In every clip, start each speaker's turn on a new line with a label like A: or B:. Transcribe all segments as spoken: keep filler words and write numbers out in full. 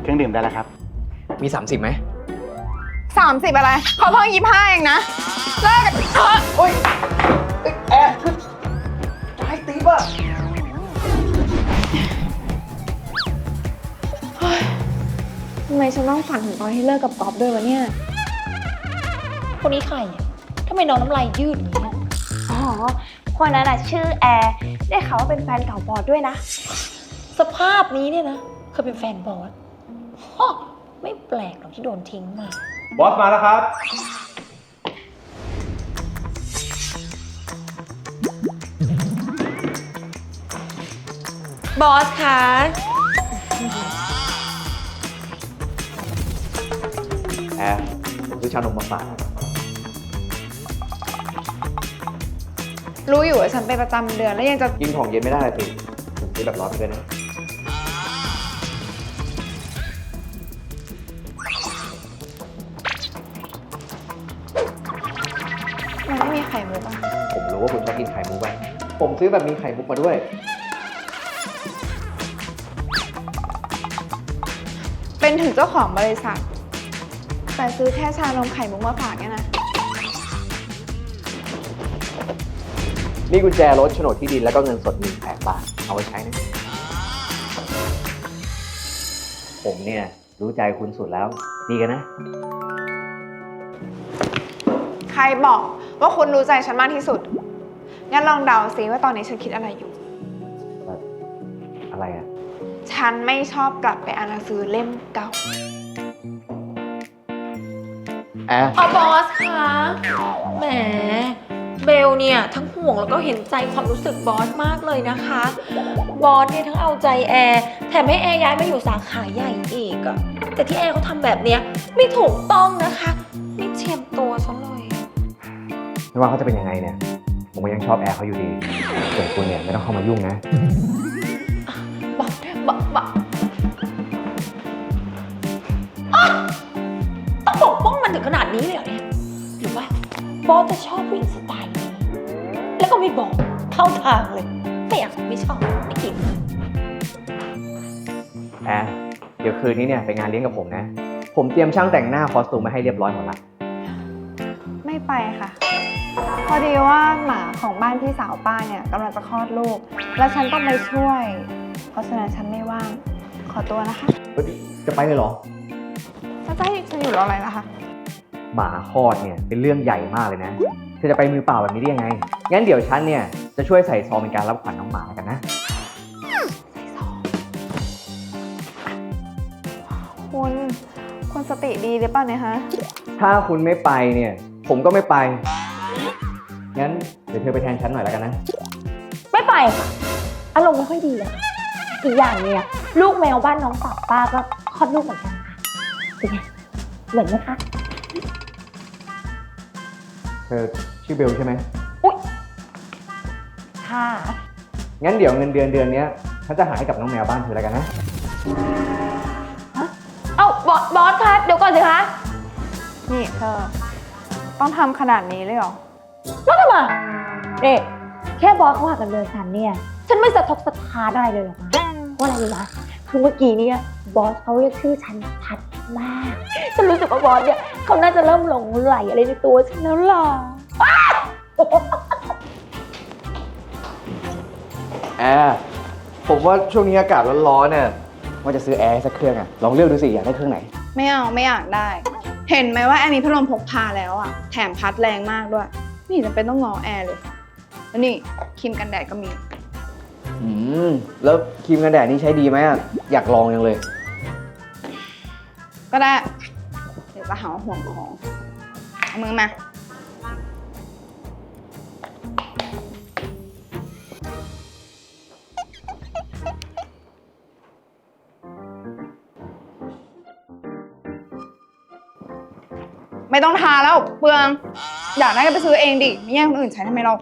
A: เครื่องดื่มได้แล้วครับ
B: มีสามสิบไหม
C: สามสิบอะไรเขาเพิ่งยี่สิบห้าเองนะเลิกกันเถอะ
B: โอ๊ยแอร์จะให้ตีป่ะ
C: ทำไมฉันต้องฝันถึงตอนที่เลิกกับก๊อฟด้วยวะเนี่ย
D: คนนี้ใครเนี่ยทำไมน้องน้ำลายยืดอย่างนี้
C: อ๋อคนนั้นอะชื่อแอร์ได้ข่าวว่าเป็นแฟนเก่าบอสด้วยนะ
D: สภาพนี้เนี่ยนะเคยเป็นแฟนบอสฮะไม่แปลกหรอกที่โดนทิ้งมา
E: บอสมาแล้วครับ
D: บอสคะ
B: แอร์ผมซื้อชานมมาฝาก
C: รู้อยู่ว่าฉันเป็นประจำเดือนแล้วยังจะ
B: กินของเย็นไม่ได้สิผมซื้อแบบร้อนไปเลยนะ
C: มันไม่มีไข่มุกอ่ะ
B: ผมรู้ว่าคุณชอบกินไข่มุกอ่ะผมซื้อแบบมีไข่มุกมาด้วย
C: เป็นถึงเจ้าของบริษัทแต่ซื้อแค่ชานมไข่มุกมาฝากเนี่ยนะ
B: นี่กุญแจรถโฉนดที่ดินแล้วก็เงินสดหนึ่งแสนบาทเอาไว้ใช้นะผมเนี่ยรู้ใจคุณสุดแล้วดีกันนะ
C: ใครบอกว่าคุณรู้ใจฉันมากที่สุดงั้นลองเดาซิว่าตอนนี้ฉันคิดอะไรอยู่
B: อะไรอ่ะ
C: ฉันไม่ชอบกลับไปอ่านหนังสือเล่มเก่า
B: แอร์
D: อ๋อบอสคะแหมเบลเนี่ยทั้งห่วงแล้วก็เห็นใจความรู้สึกบอสมากเลยนะคะบอสเนี่ยทั้งเอาใจแอร์แถมให้แอร์ย้ายมาอยู่สาขาใหญ่อีกอะแต่ที่แอร์เขาทำแบบเนี้ยไม่ถูกต้องนะคะไม่เทียมตัวซะเลย
B: ไม่ว่าเขาจะเป็นยังไงเนี่ยผมก็ยังชอบแอร์เขาอยู่ดีส่วนคุณเนี่ยไม่ต้องเข้ามายุ่งนะ
D: บอสบอสบอสต้องปกป้องมันถึงขนาดนี้เลยเหรอเนี่ยหรือว่าบอสจะชอบผู้หญิงสไตล์นี้แล้วก็ไม่บอกเข้าทางเลยไม่อยากไม่ชอบไม่กิน
B: แอร์เดี๋ยวคืนนี้เนี่ยไปงานเลี้ยงกับผมนะผมเตรียมช่างแต่งหน้าคอสตูมมาให้เรียบร้อยหมดละ
C: ไม่ไปค่ะพอดีว่าหมาของบ้านพี่สาวป้าเนี่ยกำลังจะคลอดลูกแล้วฉันต้องไปช่วยเพราะฉะนั้นฉันไม่ว่างขอตัวนะคะ
B: จะไปเลยเหรอ
C: จะให้ฉันอยู่รออะไรล่ะคะ
B: หมาคลอดเนี่ยเป็นเรื่องใหญ่มากเลยนะเธอจะไปมือเปล่าแบบนี้ได้ยังไงงั้นเดี๋ยวฉันเนี่ยจะช่วยใส่ซองเป็นการรับขวัญน้องหมากันนะ
C: ใส่ซองคุณคุณสติดีหรือเปล่าเนี่ยฮะ
B: ถ้าคุณไม่ไปเนี่ยผมก็ไม่ไปงั้นเดี๋ยวเธอไปแทนฉันหน่อยแล้วกันนะ
D: ไม่ไปค่ะอารมณ์ไม่ค่อยดีอะอีกอย่างเนี่ยลูกแมวบ้านน้องสาวป้าก็คลอดลูกเหมือนกันค่ะเป็นไงเหมือนไหมคะ
B: เธอชื่อเบลใช่ไหม
D: อุ๊ยค่ะ
B: งั้นเดี๋ยวเงินเดือนเดือนนี้ฉันจะหาให้กับน้องแมวบ้านเธอแล้วกันนะ
D: ฮะเอ้าบอสบอสคะเดี๋ยวก่อนสิคะ
C: นี่เธอต้องทำขนาดนี้เลยเหรอ
D: แล้วทำไมเด็กแค่บอสเขาหักกันเดือนฉันเนี่ยฉันไม่สะทกสะท้านอะไรเลยหรอกนะว่าอะไรรู้ไหมคือเมื่อกี้เนี่ยบอสเขาเรียกชื่อฉันชัดมากฉันรู้สึกว่าบอสเนี่ยเขาน่าจะเริ่มหลงไหลอะไรในตัวฉันแล้วล่ะ
B: แอร์ผมว่าช่วงนี้อากาศร้อนๆเนี่ยว่าจะซื้อแอร์สักเครื่องอะลองเลือกดูสิอยากได้เครื่องไหน
C: ไม่เอาไม่อยากได้เห็นไหมว่าแอร์มีพัดลมพกพาแล้วอะแถมพัดแรงมากด้วยไม่เห็นจำเป็นต้องงอแอร์เลยแล้วนี่ครีมกันแดดก็มี
B: อืมแล้วครีมกันแดดนี่ใช้ดีไหมอะอยากลองยังเลย
C: ก็ได้เดี๋ยวจะหาห่วงของเอามือมาไม่ต้องทาแล้วเปลืองอยากได้ก็ไปซื้อเองดิไม่แย่งคนอื่นใช้ทำไมเรา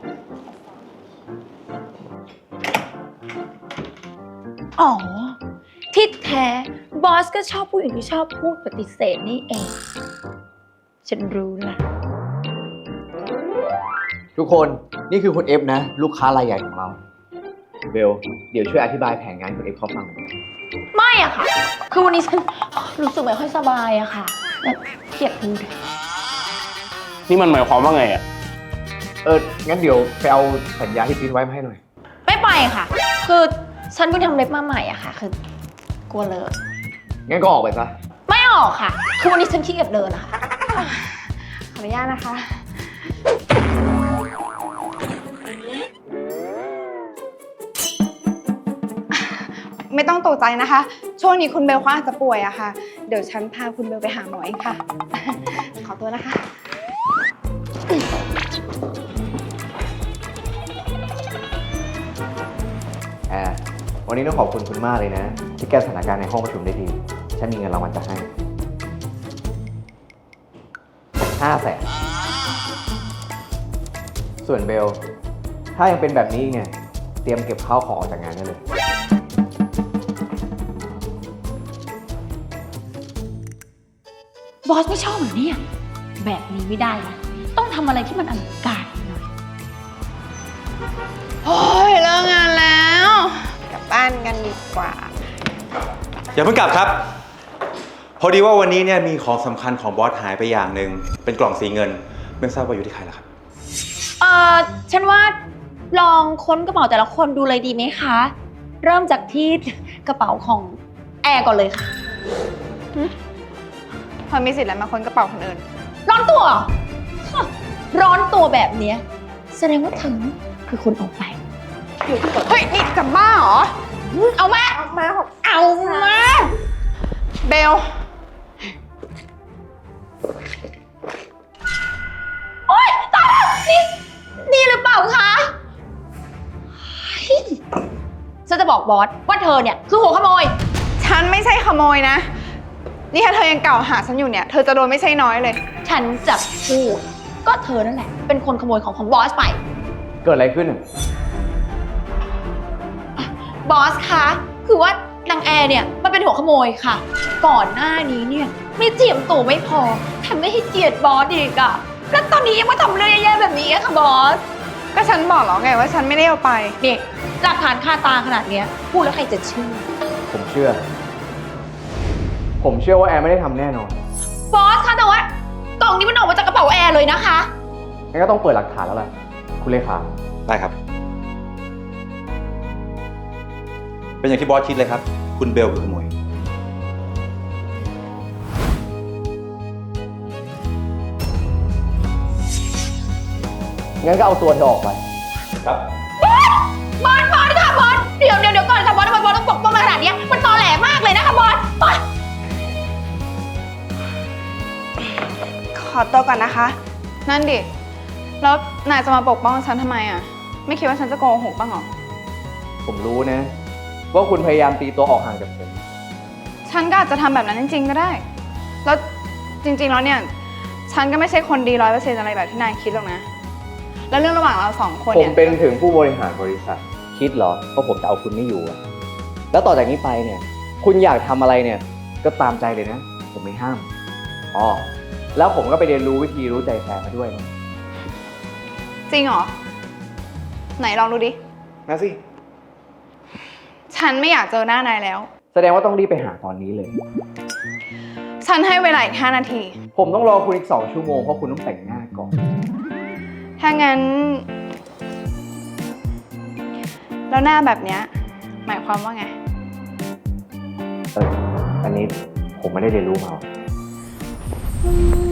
D: อ๋อที่แท้บอสก็ชอบผู้หญิงที่ชอบพูดปฏิเสธนี่เองฉันรู้ละ
B: ทุกคนนี่คือคุณเอฟนะลูกค้ารายใหญ่ของเราเบลเดี๋ยวช่วยอธิบายแผนงานคุณเอฟเขาฟังหน่อย
D: ไม่อะค่ะ คือวันนี้ฉันรู้สึกไม่ค่อยสบายอะค่ะแบบเครียดพูด
A: นี่มันหมายความว่าไงอ่ะ
B: เออ งั้นเดี๋ยวไปเอาสัญญาที่พิมพ์ไว้มาให้หน่อย
D: ไม่ไปค่ะ คือฉันเพิ่งทำเล็บมาใหม่อะค่ะ คือกลัวเลอะ
B: งั้นก็ออกไปซะ
D: ไม่ออกค่ะ คือวันนี้ฉันขี้เกียจเดินอะค่ะ
C: ขออนุญาตนะคะ ไม่ต้องตกใจนะคะ ช่วงนี้คุณเบลเขาอาจจะป่วยอะค่ะ เดี๋ยวฉันพาคุณเบลไปหาหมอเองค่ะ ขอตัวนะคะ
B: แอร์วันนี้ต้องขอบคุณคุณมากเลยนะ ที่แก้สถานการณ์ในห้องประชุมได้ดี ฉันมีเงินรางวัลจะให้ห้าแสนส่วนเบล ถ้ายังเป็นแบบนี้ไงเตรียมเก็บข้าวของออกจากงานได้เลย
D: บอสไม่ชอบเหรอเนี่ย แบบนี้ไม่ได้นะต้องทำอะไรที่มันอลังการหน่อย
C: โอ้ยเลิกงานแล้ว กลับบ้านกันดีกว่า
E: อย่าเพิ่งกลับครับ พอดีว่าวันนี้เนี่ยมีของสำคัญของบอสหายไปอย่างหนึ่งเป็นกล่องสีเงินไม่ทราบว่าอยู่ที่ใครล่ะครับ
D: เออฉันว่าลองค้นกระเป๋าแต่ละคนดูเลยดีไหมคะ เริ่มจากที่กระเป๋าของแอร์ก่อนเลยค่ะ
C: เธอมีสิทธิ์อะไรมาค้นกระเป๋าคนอื่น
D: ร้อนตัวเหรอฮะร้อนตัวแบบเนี้ยแสดงว่าเธอคือคนเอาไปอยู่ที่กด
C: เฮ้ย นี่กลับบ้านเหรอ
D: เอามา
C: เอามา
D: เอามา
C: เบล
D: โอ๊ยตายแล้วนี่นี่หรือเปล่าคะเฮ้ยฉันจะบอกบอสว่าเธอเนี่ยคือหัวขโมย
C: ฉันไม่ใช่ขโมยนะ นี่ถ้าเธอยังกล่าวหาฉันอยู่เนี่ย เธอจะโดนไม่ใช่น้อยเลย
D: ฉันจะพูดก็เธอนั่นแหละเป็นคนขโมยของของบอสไป
B: เกิดอะไรขึ้นอ่ะ
D: บอสคะคือว่านางแอร์เนี่ยมันเป็นหัวขโมยค่ะ ก่อนหน้านี้เนี่ยไม่เจียมตัวไม่พอแถมไม่ให้เกียรติบอสอีกอะแล้วตอนนี้ยังมาทำเรื่องแย่ๆแบบนี้อะค่ะบอส
C: ก็ฉันบอกแล้วไงว่าฉันไม่ได้เอาไป
D: นี่หลักฐานคาตาขนาดเนี้ยพูดแล้วใครจะเชื่อ
B: ผมเชื่อ ผมเชื่อว่าแอร์ไม่ได้ทำแน่นอน
D: บอสคะแต่ว่ากล่องนี้มันออกมาจากกระเป๋าแอร์เลยนะคะ
B: งั้นก็ต้องเปิดหลักฐานแล้วล่ะ คุณเลขา
E: ได้ครับ เป็นอย่างที่บอสคิดเลยครับ คุณเบลคือขโมย
B: งั้นก็เอาตัวเธอออกไป
E: ครับ
D: บอสบอสค่ะบอสเดี๋ยวเดี๋ยวเดี๋ยวก่อนค่ะบอสทำไมบอสต้องปกป้องมาขนาดเนี้ยมันตอแหลมากเลยนะคะบอสบอส
C: ขอตัวก่อนนะคะ นั่นดิ แล้วนายจะมาปกป้องฉันทำไมอ่ะ ไม่คิดว่าฉันจะโกหกบ้างเหรอ
B: ผมรู้นะ ว่าคุณพยายามตีตัวออกห่างจากผม
C: ฉันก็อาจจะทำแบบนั้นจริงๆก็ได้ แล้วจริงๆแล้วเนี่ย ฉันก็ไม่ใช่คนดีร้อยเปอร์เซ็นต์อะไรแบบที่นายคิดหรอกนะ แล้วเรื่องระหว่างเราสองคน
B: ผม
C: เนี่ย
B: เป็นถึงผู้บริหารบริษัท คิดเหรอว่าผมจะเอาคุณไม่อยู่อะแล้วต่อจากนี้ไปเนี่ย คุณอยากทำอะไรเนี่ย ก็ตามใจเลยนะ ผมไม่ห้าม อ๋อ แล้วผมก็ไปเรียนรู้วิธีรู้ใจแฟนมาด้วยนะ
C: จริงเหรอ ไหนลองดูดิ
B: มาสิ
C: ฉันไม่อยากเจอหน้านายแล้ว
B: แสดงว่าต้องรีบไปหาตอนนี้เลย
C: ฉันให้เวลาอีกห้านาที
B: ผมต้องรอคุณอีกสองชั่วโมงเพราะคุณต้องแต่งหน้าก่อน
C: ถ้างั้น แล้วหน้าแบบเนี้ยหมายความว่าไง
B: เออ อันนี้ผมไม่ได้เรียนรู้มา
C: อืม